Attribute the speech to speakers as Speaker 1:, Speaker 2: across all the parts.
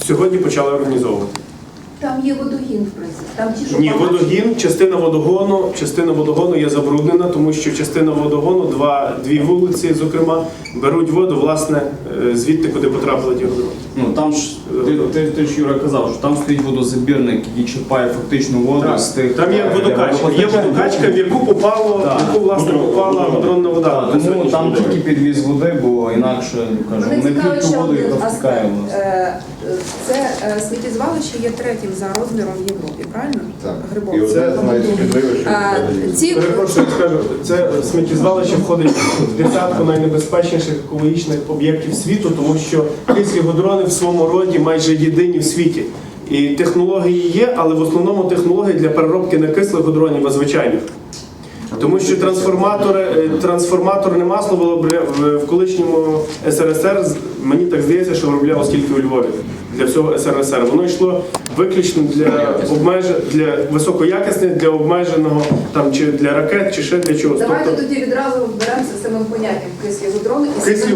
Speaker 1: сьогодні почали організовувати.
Speaker 2: Там є водогін, в принципі. Там ті, що
Speaker 1: Ні,
Speaker 2: погано.
Speaker 1: водогін, частина водогону є забруднена, тому що частина водогону, дві вулиці, зокрема, беруть воду, власне, звідти, куди потрапили ті водороди.
Speaker 3: Ну там ж ти ж Юра казав, що там стоїть водозабірник, який черпає фактично воду з тих.
Speaker 1: Там є водокачка. Є водокачка, в яку попала годронна вода.
Speaker 3: Тому там тільки підвіз води, бо інакше, кажу,
Speaker 2: Мене
Speaker 3: не
Speaker 2: цікавить
Speaker 3: п'ють
Speaker 2: ще
Speaker 3: воду,
Speaker 2: один
Speaker 3: яка втікає
Speaker 2: аспект.
Speaker 3: в нас.
Speaker 2: Це сміттєзвалище є третім за розміром в Європі, правильно?
Speaker 4: Так.
Speaker 2: Грибок.
Speaker 4: І оце навіть шкідливе, що
Speaker 2: Ці
Speaker 1: Перепрошую, скажу, це сміттєзвалище входить в десятку найнебезпечніших екологічних об'єктів світу, тому що кислі гудрони в своєму роді майже єдині в світі. І технології є, але в основному технології для переробки не кислих гудронів, а звичайних. Тому що трансформаторне масло було в колишньому СРСР, мені так здається, що виробляло скільки у Львові для всього СРСР. Воно йшло виключно для високоякісних, для обмеженого там чи для ракет, чи ще для чогось.
Speaker 2: Давайте тоді відразу вберемося з самим поняттям кислі гудрони.
Speaker 1: Кислі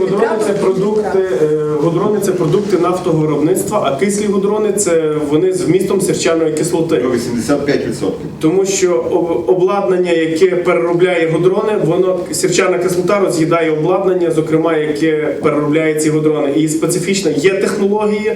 Speaker 1: гудрони це продукти нафтового виробництва, а кислі гудрони це вони з вмістом сірчаної кислоти.
Speaker 4: 85%.
Speaker 1: Тому що обладнання, яке переробляє гудрони, сірчана кислота роз'їдає обладнання, зокрема, яке переробляє ці гудрони. І специфічно є технології,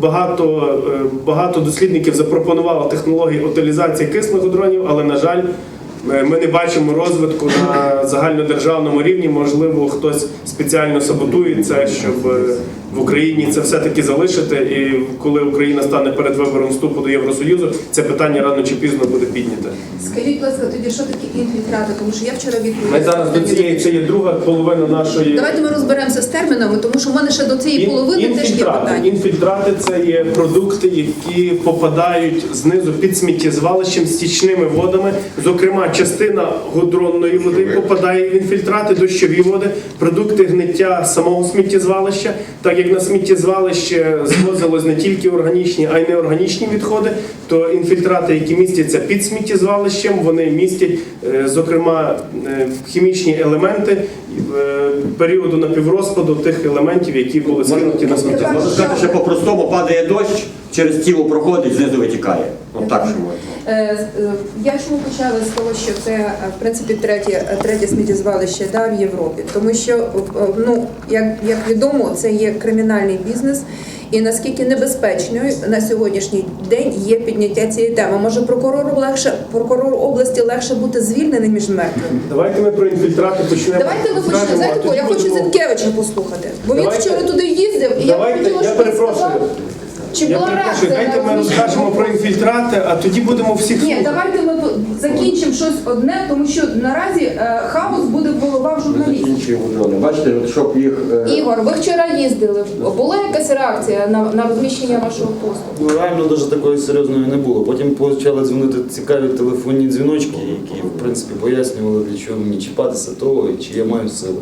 Speaker 1: багато дослідників запропонувало технології утилізації кислих гудронів, але, на жаль, ми не бачимо розвитку на загальнодержавному рівні. Можливо, хтось спеціально саботує це, щоб в Україні це все-таки залишити. І коли Україна стане перед вибором вступу до Євросоюзу, це питання рано чи пізно буде підняте.
Speaker 2: Скажіть, будь ласка, тоді що таке інфільтрати? Тому що я вчора відповіла.
Speaker 1: Ми зараз до цієї, це є друга половина нашої...
Speaker 2: Давайте ми розберемося з термінами, тому що в мене ще до цієї половини теж є питання.
Speaker 1: Інфільтрати – це є продукти, які попадають знизу під сміттєзвалищем стічними водами. Зокрема, частина гудронної води попадає в інфільтрати, дощові води, продукти гниття самого сміттєзвалища. Так як на сміттєзвалище звозилось не тільки органічні, а й неорганічні відходи, то інфільтрати, які містяться під сміттєзвалищем, вони містять, зокрема, хімічні елементи періоду напіврозпаду тих елементів, які були скинуті на сміттєзвалище.
Speaker 5: Можна сказати, що по-простому падає дощ, через тіло проходить, знизу витікає. От так що можна.
Speaker 2: Я чому почала з того, що це, в принципі, третє сміттєзвалище в Європі. Тому що, як відомо, це є кримінальний бізнес. І наскільки небезпечною на сьогоднішній день є підняття цієї теми. Може, прокурору області легше бути звільненим, ніж мертвим?
Speaker 1: Давайте ми про інфільтрати почнемо.
Speaker 2: Давайте ми почнемо. Знаєте, я хочу Зінкевича послухати. Бо він вчора туди їздив, і я хотіла, щоб він сказав, чи була реакція.
Speaker 1: Дайте ми розкажемо про інфільтрати, а тоді будемо всіх
Speaker 2: Ні,
Speaker 1: слухати.
Speaker 2: давайте ми закінчимо щось одне, тому що наразі хаос буде в головах журналістів.
Speaker 5: Інші гудрони. Бачите, от щоб їх...
Speaker 2: Ігор, ви вчора їздили. Була якась реакція на розміщення вашого посту?
Speaker 6: Ну, реально дуже такої серйозної не було. Потім почали дзвонити цікаві телефонні дзвіночки, які, в принципі, пояснювали, для чого мені чіпатися того, і чи я маю сили.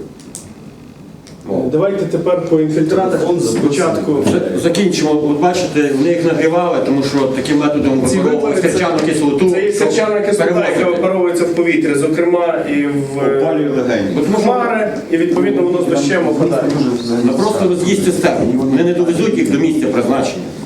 Speaker 1: Давайте тепер по інфільтратах спочатку.
Speaker 5: Закінчимо. От бачите, вони їх нагрівали, тому що таким методом випаровували сірчану кислоту.
Speaker 1: Це є сірчана кислота, яка випаровується в повітря, зокрема і
Speaker 4: Опалює легені.
Speaker 1: в хмари, і відповідно воно з дощем опадає.
Speaker 5: Ну, просто роз'їсть цистерну. Вони не довезуть їх до місця призначення.